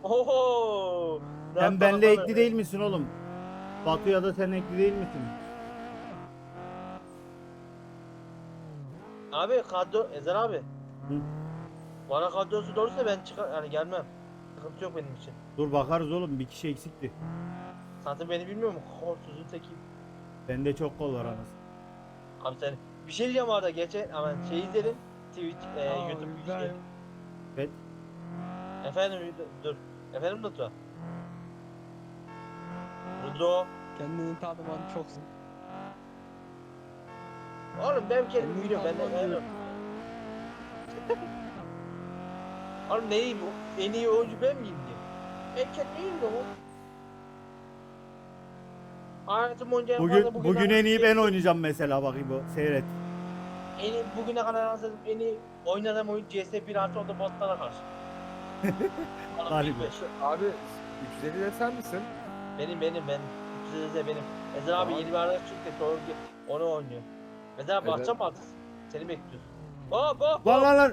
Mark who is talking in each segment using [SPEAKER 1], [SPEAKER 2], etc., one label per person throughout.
[SPEAKER 1] Oho.
[SPEAKER 2] Sen benle ekli değil misin oğlum? Batu'ya da sen ekli değil misin?
[SPEAKER 1] Abi kadro Ezer abi.
[SPEAKER 2] Hı?
[SPEAKER 1] Bana kadrosu doğruysa ben çıkar yani gelmem. Sıkıntı yok benim için.
[SPEAKER 2] Dur bakarız oğlum, bir kişi eksikti.
[SPEAKER 1] Zaten beni bilmiyor mu? Kolsuzun tekiyim.
[SPEAKER 2] Bende çok kol var anasını.
[SPEAKER 1] Abi sen bir şey diyeceğim arada geçen ama şey izledim. Twitch,
[SPEAKER 3] Aa
[SPEAKER 1] YouTube şey.
[SPEAKER 3] İbrahim.
[SPEAKER 2] Evet.
[SPEAKER 1] Efendim dur. Efendim Rıdvan. Rıdvan.
[SPEAKER 3] Kendini tanıman çok zor.
[SPEAKER 1] Oğlum ben kendimi
[SPEAKER 3] Kendini
[SPEAKER 1] biliyorum. Ben de
[SPEAKER 3] tanıman diyorum.
[SPEAKER 1] Oğlum neyim bu? En iyi oyuncu ben miyim diye. Ben kendiyim de o. Hayatım boyunca en fazla
[SPEAKER 2] Bugün en iyi ben oynayacağım mesela, bakayım o seyret.
[SPEAKER 1] En iyi, bugüne kadar anladım en iyi oynadığım oyun CS 1 artı oldu botlara karşı. Oğlum
[SPEAKER 2] Galiba.
[SPEAKER 1] 15.
[SPEAKER 4] Abi 350 de sen misin?
[SPEAKER 1] Ben. Size benim. Ezer abi
[SPEAKER 4] Tamam.
[SPEAKER 1] yeni bir arkadaş çıktı. Doğru ki onu oynuyor. Ezer abi
[SPEAKER 4] Ezer-
[SPEAKER 1] bakacağım artık. Seni bekliyoruz. Hop hop
[SPEAKER 2] Lan
[SPEAKER 1] hop.
[SPEAKER 2] lan lan.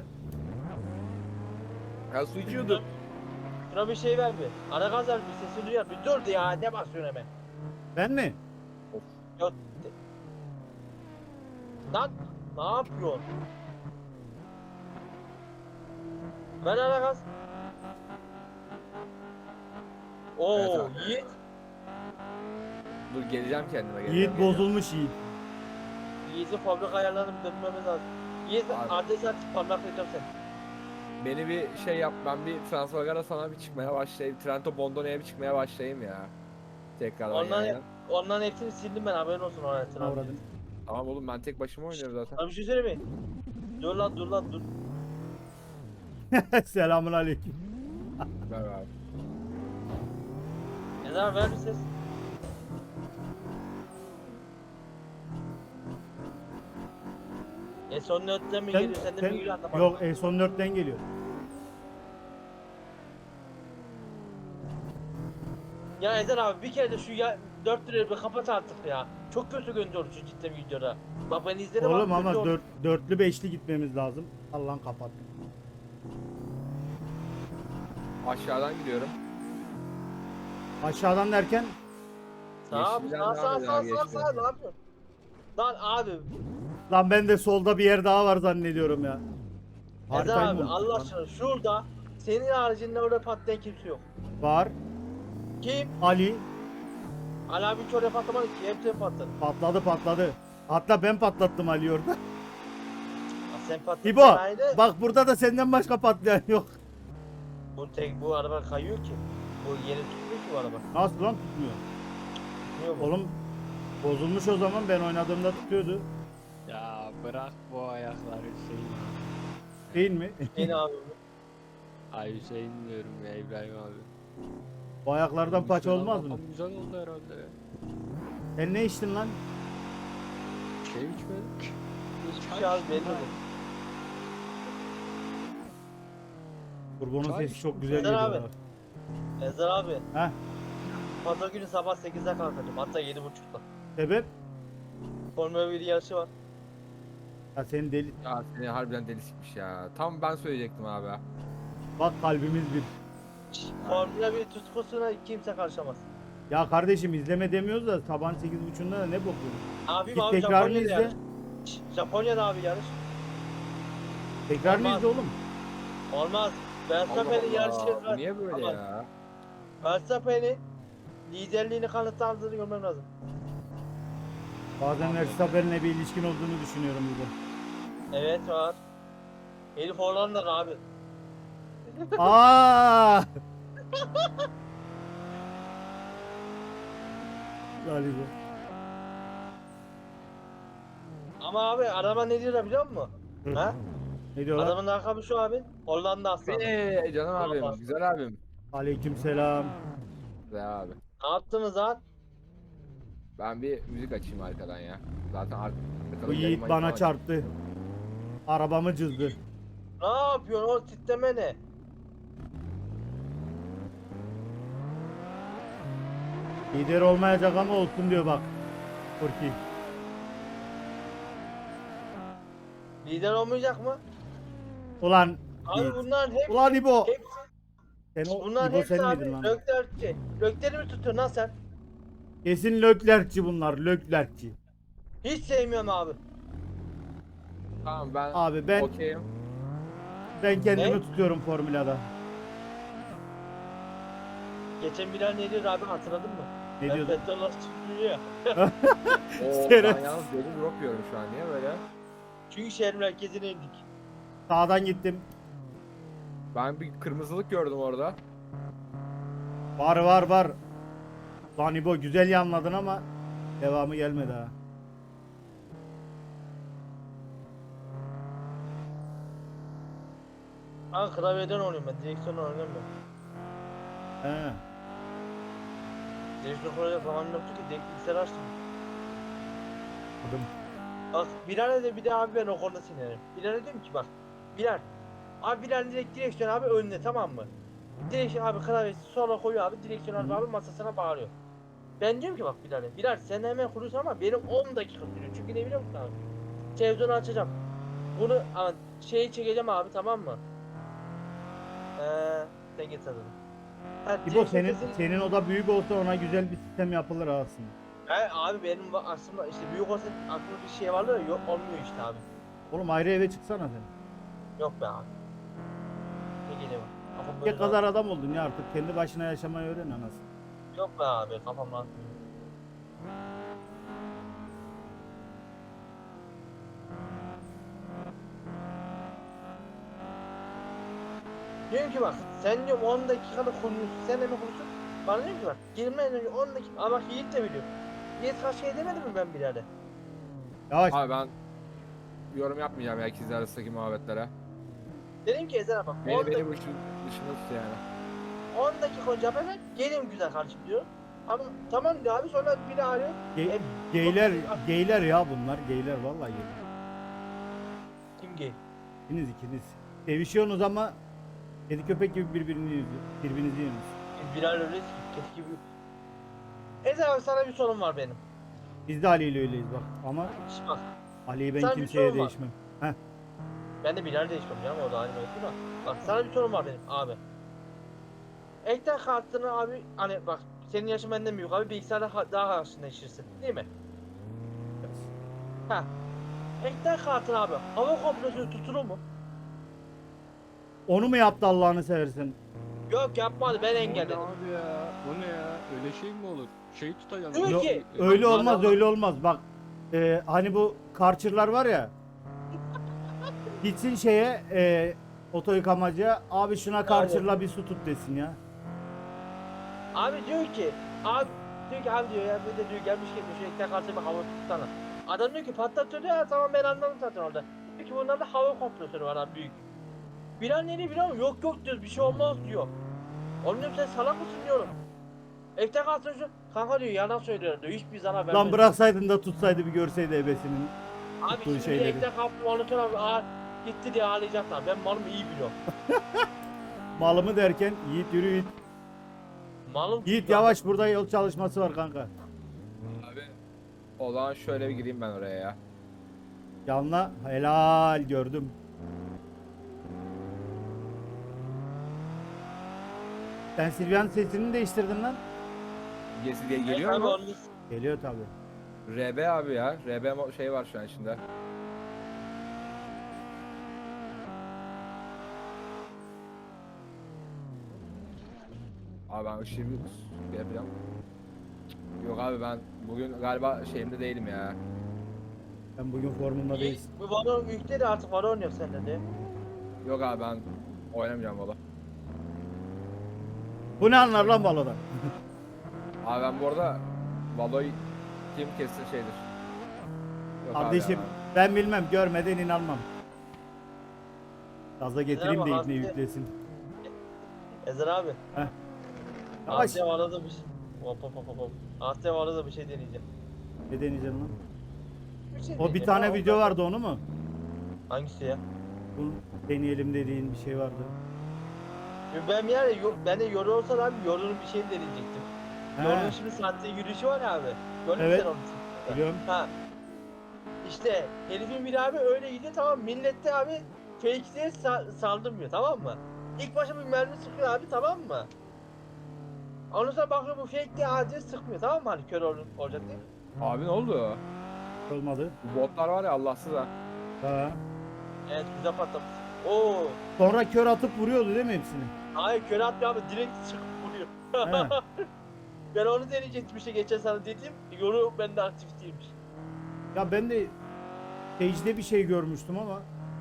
[SPEAKER 4] Ya su içiyordum.
[SPEAKER 1] Şuna bir şey ver bir. Ara gaz ver bir sesi duyar. Bir dur ya ne basıyorsun hemen.
[SPEAKER 2] Ben mi?
[SPEAKER 1] Yok. Lan ne yapıyorsun? Ver ara gaz. Oo
[SPEAKER 4] Evet abi.
[SPEAKER 1] Yiğit.
[SPEAKER 4] Dur geleceğim kendime.
[SPEAKER 2] Yiğit bozulmuş Yiğit.
[SPEAKER 1] Yiğit'in fabrika ayarlarını bir dönmemiz lazım. Yiğit
[SPEAKER 4] Abi.
[SPEAKER 1] adres at parmaklayacağım seni.
[SPEAKER 4] Beni bir şey yap, ben bir Transfagara sana bir çıkmaya başlayayım. Trento Bondone'ye bir çıkmaya başlayayım ya. Tekrardan yani.
[SPEAKER 1] Onların hepsini sildim ben haberin olsun Orhan
[SPEAKER 2] Avradım.
[SPEAKER 4] Tamam oğlum ben tek başıma oynuyorum zaten.
[SPEAKER 1] Abi bir şey söyleyeyim mi? Dur lan dur.
[SPEAKER 2] Selamun aleyküm.
[SPEAKER 4] Ver abi.
[SPEAKER 1] Ezer ver bir ses. Son nötten mi geliyor senden mi geliyor anlamadım.
[SPEAKER 2] Yok, son 4'ten geliyor.
[SPEAKER 1] Ya Ezer abi bir kere de şu ya 4 lirayı bir kapat artık ya. Çok kötü gönderiyor şu cidden videoda. Bak ben izledim
[SPEAKER 2] Oğlum
[SPEAKER 1] abi,
[SPEAKER 2] ama
[SPEAKER 1] kötü oldu.
[SPEAKER 2] dörtlü beşli gitmemiz lazım. Allah'ın kapat.
[SPEAKER 4] Aşağıdan gidiyorum.
[SPEAKER 2] Aşağıdan derken
[SPEAKER 1] Sağ
[SPEAKER 4] Yeşilden
[SPEAKER 1] sağ
[SPEAKER 4] devam
[SPEAKER 1] sağ
[SPEAKER 4] edelim,
[SPEAKER 1] sağ
[SPEAKER 4] yeşilden.
[SPEAKER 1] ne yapıyorsun? Lan abi
[SPEAKER 2] lan ben de solda bir yer daha var zannediyorum ya.
[SPEAKER 1] Ezer
[SPEAKER 2] Haritayı
[SPEAKER 1] abi
[SPEAKER 2] mı unuttuk
[SPEAKER 1] Allah
[SPEAKER 2] lan?
[SPEAKER 1] aşkına şurada senin haricinde orada patlayan kimse yok.
[SPEAKER 2] Var.
[SPEAKER 1] Kim?
[SPEAKER 2] Ali
[SPEAKER 1] Ali abi hiç oraya patlamadı ki hepsini patladı.
[SPEAKER 2] patladı. Hatta ben patlattım Ali orada.
[SPEAKER 1] Ya sen patladın
[SPEAKER 2] İbo
[SPEAKER 1] aynı.
[SPEAKER 2] bak, burada da senden başka patlayan yok.
[SPEAKER 1] Bu araba kayıyor ki. Bu yeri tutmuyor ki bu araba.
[SPEAKER 2] Nasıl lan, tutmuyor?
[SPEAKER 1] Tutmuyor mu?
[SPEAKER 2] Oğlum bozulmuş o zaman, ben oynadığımda tutuyordu.
[SPEAKER 3] Ya bırak bu ayakları Hüseyin.
[SPEAKER 2] Değil mi?
[SPEAKER 1] Yeni abi.
[SPEAKER 3] Ay Hüseyin diyorum ya İbrahim abi.
[SPEAKER 2] Bu ayaklardan paça
[SPEAKER 3] Müslüman
[SPEAKER 2] olmaz mı?
[SPEAKER 3] kafam güzel oldu herhalde ya.
[SPEAKER 2] Sen ne içtin lan?
[SPEAKER 3] Şey içmedik.
[SPEAKER 1] Hiçbir şey abi belli bu.
[SPEAKER 2] Kurbanın
[SPEAKER 3] Çay
[SPEAKER 2] sesi çok
[SPEAKER 3] içtim.
[SPEAKER 2] güzel
[SPEAKER 1] Ezer
[SPEAKER 2] geliyor.
[SPEAKER 1] abi.
[SPEAKER 2] ha.
[SPEAKER 1] Ezer abi.
[SPEAKER 2] Heh,
[SPEAKER 1] Pazar günü sabah 8'de kalkacağım. Hatta 7.30'da.
[SPEAKER 2] sebep?
[SPEAKER 1] Formula 1 yarışı var.
[SPEAKER 2] Ya sen deli.
[SPEAKER 4] Ya seni harbiden deli sikmiş ya. Tam ben söyleyecektim abi.
[SPEAKER 2] Bak kalbimiz bir.
[SPEAKER 1] Formula 1 tutkusuna kimse karışamaz.
[SPEAKER 2] Ya kardeşim izleme demiyoruz da sabahın 8.30'da da ne bakıyorsun?
[SPEAKER 1] Abim
[SPEAKER 2] Git
[SPEAKER 1] abi
[SPEAKER 2] tekrarını
[SPEAKER 1] Japonya'da
[SPEAKER 2] izle.
[SPEAKER 1] yarış. Japonya'da abi yarış.
[SPEAKER 2] Tekrarını
[SPEAKER 1] Olmaz.
[SPEAKER 2] izle oğlum.
[SPEAKER 1] Olmaz.
[SPEAKER 4] Allah
[SPEAKER 1] Verstappen'in yarışı
[SPEAKER 4] Allah. Bu niye böyle
[SPEAKER 1] Aman.
[SPEAKER 4] ya?
[SPEAKER 1] Verstappen'in liderliğini kanıtlandığını görmem lazım.
[SPEAKER 2] Bazen
[SPEAKER 4] Abi.
[SPEAKER 2] Verstappen'le bir ilişkin olduğunu düşünüyorum burada.
[SPEAKER 1] Evet var. Elif Hollandalı abi.
[SPEAKER 2] Aa! Galiba.
[SPEAKER 1] Ama abi araba ne diyor biliyor musun?
[SPEAKER 2] Hı.
[SPEAKER 1] Ha?
[SPEAKER 2] Ne diyorlar?
[SPEAKER 1] Adamın lakabı şu abi. Hollanda aslanı.
[SPEAKER 4] Canım abim,
[SPEAKER 1] Allah.
[SPEAKER 4] güzel abim.
[SPEAKER 2] Aleykümselam.
[SPEAKER 4] Güzel abi.
[SPEAKER 1] Ne yaptınız lan?
[SPEAKER 4] Ben bir müzik açayım arkadan ya. Zaten arkada
[SPEAKER 2] Bu Yiğit bana çarptı. Arabamı cızdı.
[SPEAKER 1] Ne yapıyorsun o titreme ne?
[SPEAKER 2] Lider olmayacak ama olsun diyor bak. Furki.
[SPEAKER 1] Lider olmayacak mı?
[SPEAKER 2] Ulan
[SPEAKER 1] Abi
[SPEAKER 2] Yiğit.
[SPEAKER 1] bunların hepsi,
[SPEAKER 2] Ulan İbo.
[SPEAKER 1] hepsi,
[SPEAKER 2] Sen o
[SPEAKER 1] Bunların
[SPEAKER 2] İbo
[SPEAKER 1] hepsi
[SPEAKER 2] sen
[SPEAKER 1] abi
[SPEAKER 2] miydin lan?
[SPEAKER 1] Löklerci. Lökleri mi tutuyorsun lan sen?
[SPEAKER 2] Kesin Löklerkçi bunlar, Löklerkçi.
[SPEAKER 1] Hiç sevmiyorum abi.
[SPEAKER 4] Tamam ben
[SPEAKER 2] Abi ben
[SPEAKER 4] okeyim.
[SPEAKER 2] kendimi
[SPEAKER 1] Ne?
[SPEAKER 2] tutuyorum Formula'da.
[SPEAKER 1] Geçen Bilal ne diyor abi hatırladın mı?
[SPEAKER 2] Ne
[SPEAKER 1] Ben
[SPEAKER 2] diyordun?
[SPEAKER 1] Fethullah çıkıyor ya.
[SPEAKER 4] Oo, ben
[SPEAKER 2] Şerefsiz.
[SPEAKER 4] yalnız deli drop yiyorum şu an. Niye böyle?
[SPEAKER 1] Çünkü şehir merkezine indik.
[SPEAKER 2] Sağdan gittim.
[SPEAKER 4] Ben bir kırmızılık gördüm orada.
[SPEAKER 2] Var var var. Lan İbo güzel yanladın ama devamı gelmedi ha.
[SPEAKER 1] Ben klavyeden oynuyorum ben. Direksiyonla oynamıyorum.
[SPEAKER 2] He.
[SPEAKER 1] Direksiyon kuracak zamanım yoktu ki. Direkt bilgisayarı açtım.
[SPEAKER 2] Adım.
[SPEAKER 1] Bak Bilal'e de bir de abi ben o konuda sinirlerim. Bilal'e diyorum ki bak. Bilal. Abi Bilal direkt direksiyon abi önüne tamam mı? Direksiyon abi klavyesi sola koyuyor abi. Direksiyon
[SPEAKER 2] Hı.
[SPEAKER 1] abi masasına bağırıyor. Ben diyorum ki bak Bilal'e. Bilal sen hemen kuruyorsun ama benim 10 dakika sürüyor. Çünkü ne biliyor musun abi? Televizyonu açacağım. Bunu şeyi çekeceğim abi tamam mı? Sen git adını. Ha,
[SPEAKER 2] İbo
[SPEAKER 1] direksiyon
[SPEAKER 2] senin
[SPEAKER 1] sesini-
[SPEAKER 2] oda büyük olsa ona güzel bir sistem yapılır aslında.
[SPEAKER 1] Abi benim aslında işte büyük olsa aklımda bir şey vardı da yok olmuyor işte abi.
[SPEAKER 2] Oğlum ayrı eve çıksana sen.
[SPEAKER 1] Yok be abi. Ne geliyor bak. Kafam
[SPEAKER 2] Ne
[SPEAKER 1] böyle
[SPEAKER 2] kadar adam oldun ya artık kendi başına yaşamayı öğren anasını.
[SPEAKER 1] rahat. Yok be abi kafam rahat. Diyorum ki bak sen diyorum 10 dakikada kuruyorsun sen de mi kuruyorsun? Bana diyorum ki bak girmeden önce 10 dakika ama bak Yiğit de biliyor. Yiğit kaç şey demedi mi ben Bilal'e?
[SPEAKER 2] Yavaş.
[SPEAKER 4] Abi ben yorum yapmayacağım ya ikizler arasındaki muhabbetlere.
[SPEAKER 1] Dedim ki Ezel bak 10
[SPEAKER 4] Beni
[SPEAKER 1] dakika,
[SPEAKER 4] bu işin dışında tut yani.
[SPEAKER 1] 10 dakika önce haber ver gelin güzel kardeşim diyor. Ama tamam diyor abi sonra biri arıyor.
[SPEAKER 2] Ge-
[SPEAKER 1] E,
[SPEAKER 2] geyler, geyler ya bunlar. Geyler vallahi geyler.
[SPEAKER 1] Kim gay?
[SPEAKER 2] İkiniz. Sevişiyorsunuz ama kedi köpek gibi birbirinizi yiyorsunuz.
[SPEAKER 1] Bilal öyle keski gibi. Ezel abi sana bir sorun var benim.
[SPEAKER 2] Biz de Ali ile öyleyiz bak ama
[SPEAKER 1] Şş bak
[SPEAKER 2] Ali'yi ben
[SPEAKER 1] Sana bir
[SPEAKER 2] kimseye
[SPEAKER 1] sorun var.
[SPEAKER 2] değişmem. Heh.
[SPEAKER 1] ben de Bilal değişmem canım o da aynı mevzu da. Bak sana bir sorun var benim abi. Ekran kartını abi hani bak senin yaşın benden büyük abi bilgisayarda daha haşır neşirsin değil mi? Ha. Ekran kartını abi hava kompresörü tutulur mu?
[SPEAKER 2] Onu mu yaptı Allah'ını seversen?
[SPEAKER 1] Yok yapmadı ben
[SPEAKER 3] O ne
[SPEAKER 1] engelledim.
[SPEAKER 3] abi ya? O ne ya? Öyle şey mi olur? Şey tutacağım.
[SPEAKER 1] Diyor
[SPEAKER 2] Yo-
[SPEAKER 1] ki-
[SPEAKER 2] öyle
[SPEAKER 1] Bak,
[SPEAKER 2] olmaz
[SPEAKER 1] adam-
[SPEAKER 2] öyle olmaz bak. Hani bu karçırlar var ya. Gitsin şeye oto yıkamacıya abi şuna karçırla bir su tut desin ya.
[SPEAKER 1] Abi diyor ki abi diyor ya bir de diyor gelmiş diyor şu ekran kartını bir hava tutsana. Adam diyor ki patlatıyor ya tamam ben anladım zaten orada. Diyor ki bunlarda hava kompresörü var abi büyük. Bilal ne diyor biliyor musun? Yok diyoruz bir şey olmaz diyor. Oğlum diyorum sen salak mısın diyorum. Ekran kartını şu kanka diyor yalan söylüyor diyor hiçbir zarar vermez.
[SPEAKER 2] Lan bıraksaydın da tutsaydı bir görseydi ebesinin.
[SPEAKER 1] Abi
[SPEAKER 2] tuttuğu
[SPEAKER 1] şimdi
[SPEAKER 2] şeyleri.
[SPEAKER 1] ekran kartını monitör abi gitti diye ağlayacaklar ben malımı iyi biliyorum.
[SPEAKER 2] Malımı derken Yiğit yürü Yiğit.
[SPEAKER 1] Malım
[SPEAKER 2] Yiğit
[SPEAKER 1] çünkü
[SPEAKER 2] yavaş burada yol çalışması var kanka.
[SPEAKER 4] Abi o zaman şöyle bir gireyim ben oraya ya.
[SPEAKER 2] Yanla helal gördüm. Sen Silvia'nın sesini değiştirdin lan.
[SPEAKER 4] Geliyor
[SPEAKER 1] Abi
[SPEAKER 4] mu?
[SPEAKER 1] onu-
[SPEAKER 2] Geliyor tabi.
[SPEAKER 4] RB abi ya. RB şey var şu an içinde. Abi ben ışığı bir yapacağım. Yok abi ben bugün galiba şeyimde değilim ya.
[SPEAKER 2] Ben bugün formunda değilsin.
[SPEAKER 1] Bu Valorant yükle de artık Valorant yok sende de.
[SPEAKER 4] Yok abi ben oynamayacağım valla.
[SPEAKER 2] Bu ne anlar lan balodan?
[SPEAKER 4] Abi ben bu arada Valo'yu kim kesse şeydir. Yok abi
[SPEAKER 2] Kardeşim
[SPEAKER 4] ya.
[SPEAKER 2] ben bilmem görmeden inanmam. Gaza getireyim de
[SPEAKER 1] Merhaba,
[SPEAKER 2] ibne
[SPEAKER 1] Aslı.
[SPEAKER 2] yüklesin.
[SPEAKER 1] Ezer abi.
[SPEAKER 2] Yavaş.
[SPEAKER 1] Asya var da bir şey. Hop. Asya var da bir şey deneyeceğim.
[SPEAKER 2] Ne deneyeceksin lan?
[SPEAKER 1] Bir şey
[SPEAKER 2] O bir
[SPEAKER 1] deneyeceğim
[SPEAKER 2] tane
[SPEAKER 1] ya,
[SPEAKER 2] video
[SPEAKER 1] ondan-
[SPEAKER 2] vardı onu mu?
[SPEAKER 1] Hangisi ya?
[SPEAKER 2] Bu deneyelim dediğin bir şey vardı.
[SPEAKER 1] Ben yani ben de yoru olsa abi yorunun bir şeyini deneyecektim.
[SPEAKER 2] He,
[SPEAKER 1] Yorunun şimdi saatte yürüyüşü var abi. Gördün mü
[SPEAKER 2] Evet.
[SPEAKER 1] sen onu?
[SPEAKER 2] biliyorum.
[SPEAKER 1] Ha. İşte herifin biri abi öyle gidiyor tamam millette abi fake diye saldırmıyor tamam mı? İlk başta bir mermi sıkıyor abi, tamam mı? Ondan sonra bakıyor bu fake diye acil sıkmıyor, tamam mı? Hani kör olacak diye.
[SPEAKER 4] Abi ne oldu?
[SPEAKER 2] Olmadı.
[SPEAKER 4] Bu botlar var ya Allahsız ha.
[SPEAKER 2] Ha.
[SPEAKER 1] Evet, güzel patlamış. Oo.
[SPEAKER 2] Sonra kör atıp vuruyordu değil mi hepsini?
[SPEAKER 1] Hayır, kör atmıyor abi, direkt sıkıp vuruyor.
[SPEAKER 2] He.
[SPEAKER 1] Ben onu deneyecektim işte geçen sana dedim. Yolu bende aktif değilmiş.
[SPEAKER 2] Ya ben de Sage'de bir şey görmüştüm ama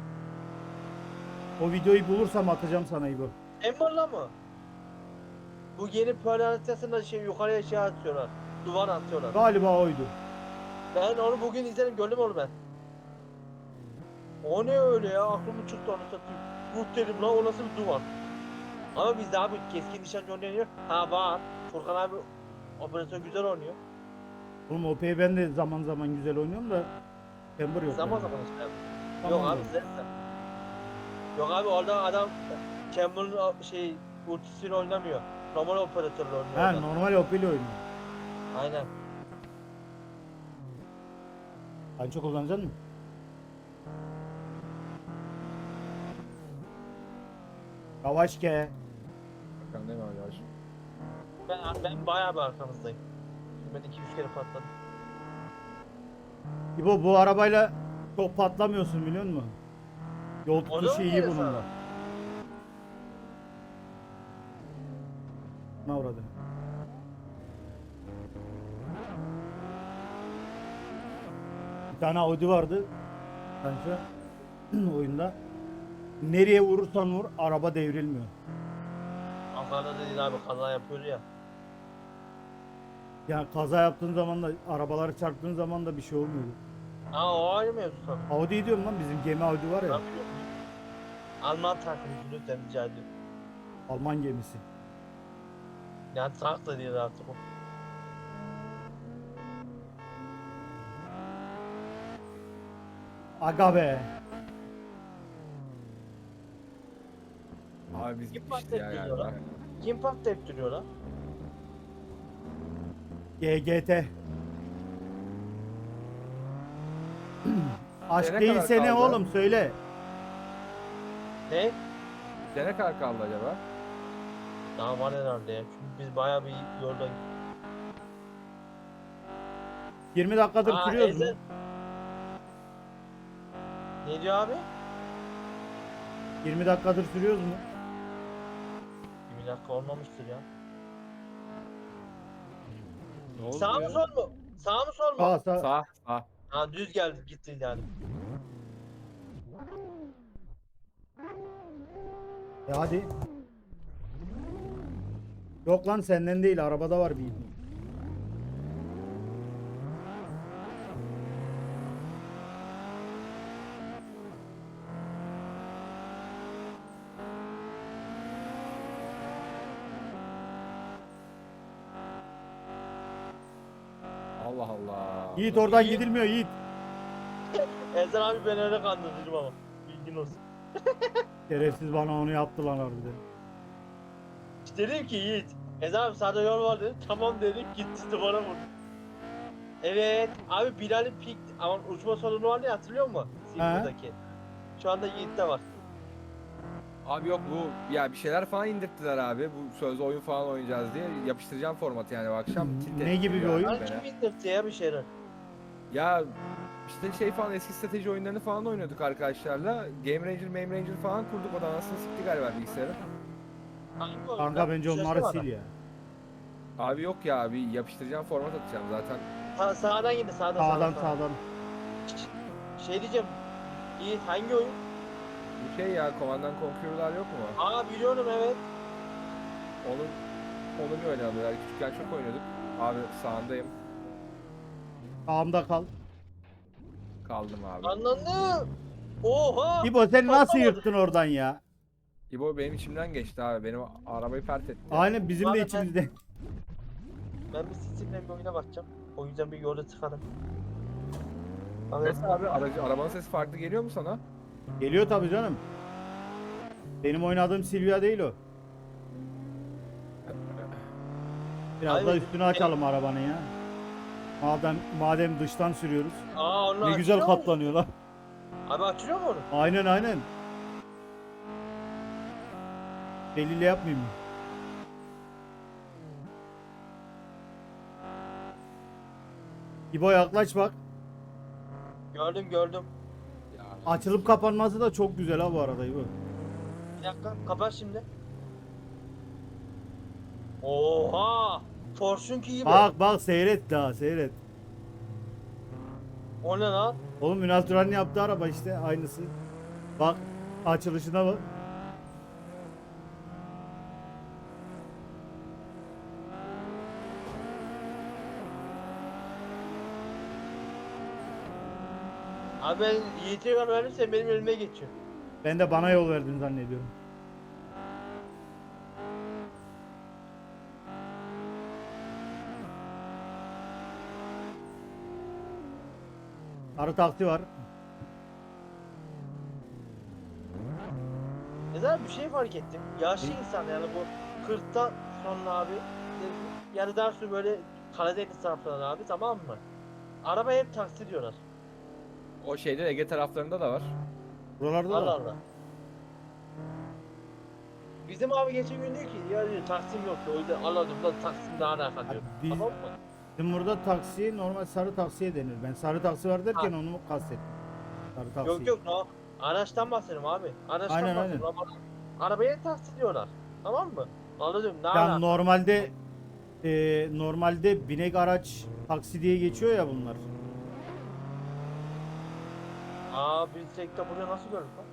[SPEAKER 2] o videoyu bulursam atacağım sana İbo.
[SPEAKER 1] Ember'la mı? Bu yeni Pearl haritasında şey yukarıya şey atıyorlar. Duvar atıyorlar.
[SPEAKER 2] Galiba oydu.
[SPEAKER 1] Ben onu bugün izledim, gördüm onu ben. O ne öyle ya, aklımı çıktı onu satayım. Ruh dedim lan, o nasıl bir duvar? Ama bizde abi keskin nişancı oynuyor. Ha var. Furkan abi operatör güzel oynuyor.
[SPEAKER 2] Oğlum OP'yi ben de zaman zaman güzel oynuyorum da Chamber yok.
[SPEAKER 1] Zaman
[SPEAKER 2] bende.
[SPEAKER 1] zaman işte.
[SPEAKER 2] Tamam
[SPEAKER 1] Yok abi
[SPEAKER 2] oğlum.
[SPEAKER 1] sen. Yok abi, orada adam Cameron'ın şey ultisiyle oynamıyor. Normal operatörle oynuyor
[SPEAKER 2] Ha
[SPEAKER 1] orada.
[SPEAKER 2] normal OP ile oynuyor.
[SPEAKER 1] Aynen.
[SPEAKER 2] Sen çok kullanacaksın mı? Yavaş ke.
[SPEAKER 4] Bakalım değil mi abi yavaş.
[SPEAKER 1] Ben bayağı bir arkamızdayım. Şimdi ben 200 kere patladım.
[SPEAKER 2] İbo bu arabayla çok patlamıyorsun biliyor musun? Yol
[SPEAKER 1] O da
[SPEAKER 2] tutuşu
[SPEAKER 1] mı
[SPEAKER 2] iyi
[SPEAKER 1] diyor
[SPEAKER 2] bunun
[SPEAKER 1] sana?
[SPEAKER 2] da. Ne uğradı? Bir tane Audi vardı. Bence oyunda. Nereye vurursan vur araba devrilmiyor.
[SPEAKER 1] Ankara'da dediğin abi kaza yapıyor ya.
[SPEAKER 2] Yani kaza yaptığın zaman da arabaları çarptığın zaman da bir şey olmuyor.
[SPEAKER 1] Ha, o ayrı mevzu tabii.
[SPEAKER 2] Audi diyorum lan bizim gemi Audi var ya.
[SPEAKER 1] Ben biliyorum. Alman takımı lütfen rica ediyorum.
[SPEAKER 2] Alman gemisi.
[SPEAKER 1] Yani tank da değil artık o.
[SPEAKER 2] Aga be.
[SPEAKER 4] Abi biz
[SPEAKER 1] Kim
[SPEAKER 4] gitmişiz ya
[SPEAKER 1] patlayıp
[SPEAKER 4] galiba.
[SPEAKER 1] duruyor lan? Kim patlayıp duruyor lan?
[SPEAKER 2] GGT. Aşk
[SPEAKER 4] Ne
[SPEAKER 2] değilse
[SPEAKER 4] kadar
[SPEAKER 2] ne
[SPEAKER 4] kaldı?
[SPEAKER 2] oğlum söyle.
[SPEAKER 1] Ne?
[SPEAKER 4] Ne kadar kaldı acaba?
[SPEAKER 1] Daha var herhalde ya. Çünkü biz bayağı bir yolda.
[SPEAKER 2] 20 dakikadır
[SPEAKER 1] Aa,
[SPEAKER 2] sürüyoruz mu?
[SPEAKER 1] Ezel. Ne diyor abi?
[SPEAKER 2] 20 dakikadır sürüyoruz mu?
[SPEAKER 1] 20 dakika olmamıştır ya.
[SPEAKER 3] Ne oldu
[SPEAKER 1] Sağ mı
[SPEAKER 3] ya?
[SPEAKER 1] sol mu? Sağ mı sol mu?
[SPEAKER 2] Sağ sağ.
[SPEAKER 4] Sağ. Sağ.
[SPEAKER 1] Ha, düz geldi gitti yani.
[SPEAKER 2] Hadi. Yok lan senden değil arabada var bir.
[SPEAKER 4] Allah Allah.
[SPEAKER 2] Yiğit oradan
[SPEAKER 1] İyi.
[SPEAKER 2] gidilmiyor Yiğit.
[SPEAKER 1] Ezel abi ben öyle kandırdım ama. Bilgin olsun.
[SPEAKER 2] Şerefsiz bana onu yaptı lan harbiden.
[SPEAKER 1] İşte dedim ki Yiğit. Ezel abi sağda yol var dedim. Tamam dedim, gitti duvara vurdu. Evet abi, Bilal'in pik ama uçma sorunu vardı ya, hatırlıyor musun? Silver'daki. Şu anda Yiğit'te var.
[SPEAKER 4] Abi yok bu ya bir şeyler falan indirttiler abi. Bu sözlü oyun falan oynayacağız diye. Yapıştıracağım formatı yani bu akşam. Tilt
[SPEAKER 2] Ne
[SPEAKER 4] etti
[SPEAKER 2] gibi bir
[SPEAKER 4] yani
[SPEAKER 2] oyun?
[SPEAKER 1] Lan
[SPEAKER 4] beni.
[SPEAKER 1] kim indirtti ya bir şeyler?
[SPEAKER 4] Ya işte şey falan eski strateji oyunlarını falan oynuyorduk arkadaşlarla. Game Ranger falan kurduk, o da anasını sikti galiba bilgisayarı.
[SPEAKER 1] Hangi oyun
[SPEAKER 2] Kanka
[SPEAKER 1] lan?
[SPEAKER 2] bence
[SPEAKER 1] Şurası
[SPEAKER 2] onları
[SPEAKER 1] var
[SPEAKER 2] sil
[SPEAKER 1] da.
[SPEAKER 2] ya.
[SPEAKER 4] Abi yok ya, bir yapıştıracağım format atacağım zaten.
[SPEAKER 1] Sağdan gidin,
[SPEAKER 2] Sağdan sağdan.
[SPEAKER 1] Şey diyeceğim. Yiğit hangi oyun?
[SPEAKER 4] Bu şey ya, Command and Conquer'lar yok mu?
[SPEAKER 1] Aa, biliyorum evet.
[SPEAKER 4] Onu bir oynayalım ya. Küçükken çok oynuyorduk. Abi sağındayım.
[SPEAKER 2] Sağımda kal.
[SPEAKER 4] Kaldım abi.
[SPEAKER 1] Anladım. Oha.
[SPEAKER 2] İbo sen nasıl
[SPEAKER 1] Patlamadı.
[SPEAKER 2] yırttın oradan ya?
[SPEAKER 4] İbo benim içimden geçti abi. Benim arabayı pert etti.
[SPEAKER 2] Aynen bizim de
[SPEAKER 1] Vallahi
[SPEAKER 2] içimizde.
[SPEAKER 1] Ben bir Steam'den bir oyuna bakacağım. O yüzden bir yolda çıkarım. Abi,
[SPEAKER 4] Nasıl abi? Arabanın sesi farklı geliyor mu sana?
[SPEAKER 2] Geliyor tabii canım. Benim oynadığım Silvia değil o. Biraz da
[SPEAKER 1] Abi,
[SPEAKER 2] üstünü açalım arabanın ya. Madem dıştan sürüyoruz.
[SPEAKER 1] Aa, onu
[SPEAKER 2] Ne güzel
[SPEAKER 1] açıyor mu?
[SPEAKER 2] katlanıyor lan.
[SPEAKER 1] Abi açılıyor mu onu?
[SPEAKER 2] Aynen aynen. Eliyle yapmayayım mı? İbo yaklaş bak.
[SPEAKER 1] Gördüm gördüm.
[SPEAKER 3] Ya,
[SPEAKER 2] Açılıp kapanması da çok güzel ha bu arada İbo.
[SPEAKER 1] Bir dakika kapat şimdi. Oha! Forsunki gibi.
[SPEAKER 2] Bak bak seyret daha seyret.
[SPEAKER 1] O ne lan?
[SPEAKER 2] Oğlum Ünal Turan'ın yaptığı araba işte aynısı. Bak açılışına bak.
[SPEAKER 1] Abi ben Yiğit'e yol verdim sen benim önüme geçiyor.
[SPEAKER 2] Ben de bana yol verdin zannediyorum. Sarı taksi var.
[SPEAKER 1] Neden bir şey fark ettim. Yaşlı insan yani bu 40'tan sonra abi yani daha sonra böyle Karadeniz taraflarına abi tamam mı? Araba hep taksi diyorlar.
[SPEAKER 4] O şeyde Ege taraflarında da var.
[SPEAKER 2] Buralarda
[SPEAKER 1] Allah
[SPEAKER 2] da.
[SPEAKER 1] Allah. Bizim abi geçen gün diyor ki ya diyor taksim yoktu o yüzden anladım da taksim daha alaka diyor.
[SPEAKER 2] biz-
[SPEAKER 1] Tamam mı?
[SPEAKER 2] Bizim burada taksi normal sarı taksiye denir. Ben sarı taksi var derken
[SPEAKER 1] Ha.
[SPEAKER 2] onu kastettim. Sarı taksi.
[SPEAKER 1] Yok yok no. Araçtan bahsediyorum abi. Araçtan
[SPEAKER 2] Aynen,
[SPEAKER 1] bahsediyorum. Arabaya taksi diyorlar. Tamam mı? Anladım ne
[SPEAKER 2] Ya
[SPEAKER 1] alaka?
[SPEAKER 2] normalde binek araç taksi diye geçiyor ya bunlar.
[SPEAKER 1] Aa biz sekte buraya nasıl gördük lan?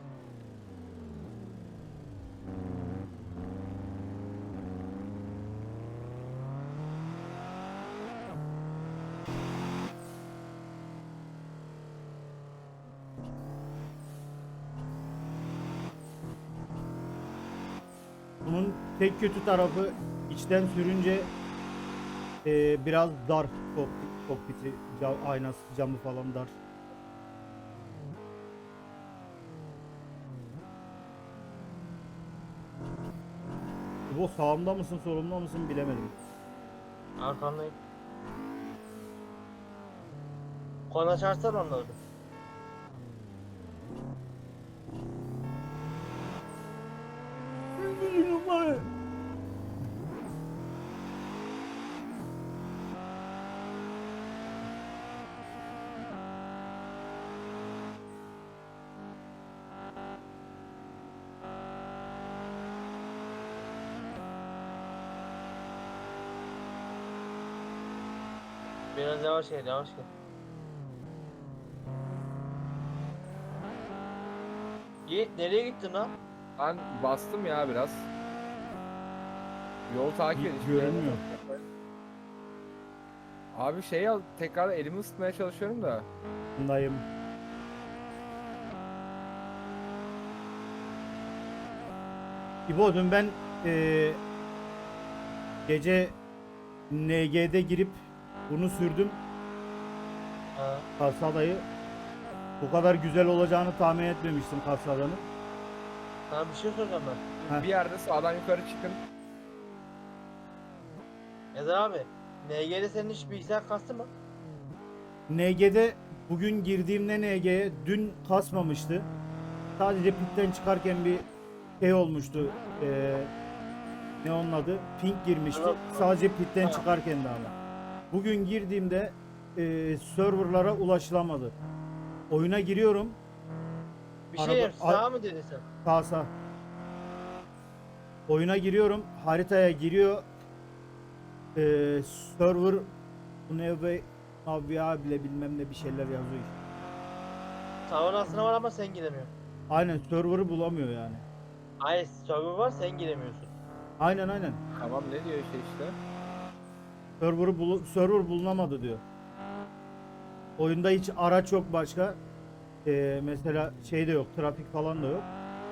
[SPEAKER 2] Bunun tek kötü tarafı içten sürünce biraz dar kokpiti, aynası camı falan dar. Bu sağımda mısın solumda mısın bilemedim.
[SPEAKER 1] Arkandayım. Konu açarsan anladım. Biraz yavaş gel yavaş gel. Yiğit nereye gittin lan?
[SPEAKER 4] Ben bastım ya biraz. Yol takip edin.
[SPEAKER 2] Görünmüyor.
[SPEAKER 4] Abi şey al tekrar elimi ısıtmaya çalışıyorum da.
[SPEAKER 2] Bundayım. İbo dün ben gece NG'de girip bunu sürdüm.
[SPEAKER 1] Ha.
[SPEAKER 2] Kasadayı. Bu kadar güzel olacağını tahmin etmemiştim Kasada'nın.
[SPEAKER 1] Sana bir şey soracağım ben.
[SPEAKER 2] Heh.
[SPEAKER 4] Bir yerde sağdan yukarı çıkın.
[SPEAKER 1] Ezer abi. NG'de senin hiç bilgisayar kastı mı?
[SPEAKER 2] NG'de bugün girdiğimde NG'ye dün kasmamıştı. Sadece pitten çıkarken bir şey olmuştu. Ne onun adı? Ping girmişti.
[SPEAKER 1] Evet.
[SPEAKER 2] Sadece pitten
[SPEAKER 1] Ha.
[SPEAKER 2] çıkarken de ama. Bugün girdiğimde serverlara ulaşılamadı. Oyuna giriyorum.
[SPEAKER 1] Bir
[SPEAKER 2] Araba-
[SPEAKER 1] şey diyeyim, sağ mı dedin sen?
[SPEAKER 2] Sağ. Oyuna giriyorum. Haritaya giriyor. Server bu ne be abi bile bilmem ne bir şeyler yazıyor işte.
[SPEAKER 1] Server aslında var ama sen giremiyorsun.
[SPEAKER 2] Aynen server'ı bulamıyor yani.
[SPEAKER 1] Hayır server var sen giremiyorsun.
[SPEAKER 2] Aynen.
[SPEAKER 4] Tamam ne diyor işte.
[SPEAKER 2] Server bulunamadı diyor. Oyunda hiç araç yok başka. Mesela şey de yok, trafik falan da yok.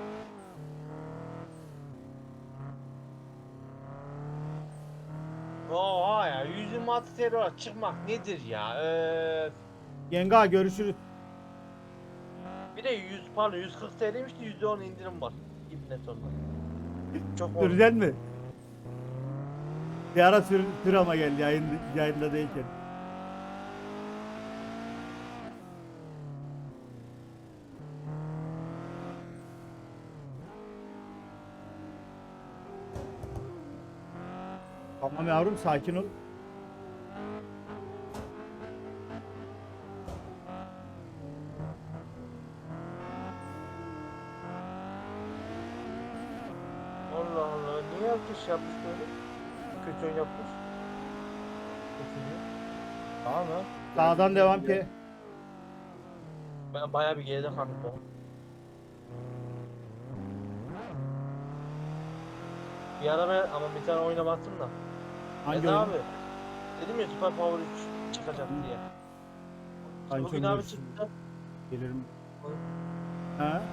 [SPEAKER 1] Oha ya 126 TL olarak çıkmak nedir ya?
[SPEAKER 2] Yenga görüşürüz.
[SPEAKER 1] Bir de 100 pardon 140 TL'ymiş de %10 indirim var. İbne sonunda. Çok oldu.
[SPEAKER 2] Süreceksin mi? Bir ara sür ama gel yayında değilken. Tamam yavrum sakin ol.
[SPEAKER 1] Allah Allah. Niye herkes şey yapmış böyle? Kötü oyun yapmış. Kötü. Tamam mı?
[SPEAKER 2] Sağdan devam ki.
[SPEAKER 1] Ben bayağı bir geride kaldım ben. Bir ara ben ama bir tane oyuna baktım da.
[SPEAKER 2] Hangi
[SPEAKER 1] Mete
[SPEAKER 2] oyun?
[SPEAKER 1] abi. Dedim ya Super Power 3 çıkacak diye.
[SPEAKER 2] Hangi
[SPEAKER 1] Bugün
[SPEAKER 2] oyun
[SPEAKER 1] abi
[SPEAKER 2] diyorsun?
[SPEAKER 1] çıktı.
[SPEAKER 2] Gelirim. Ha?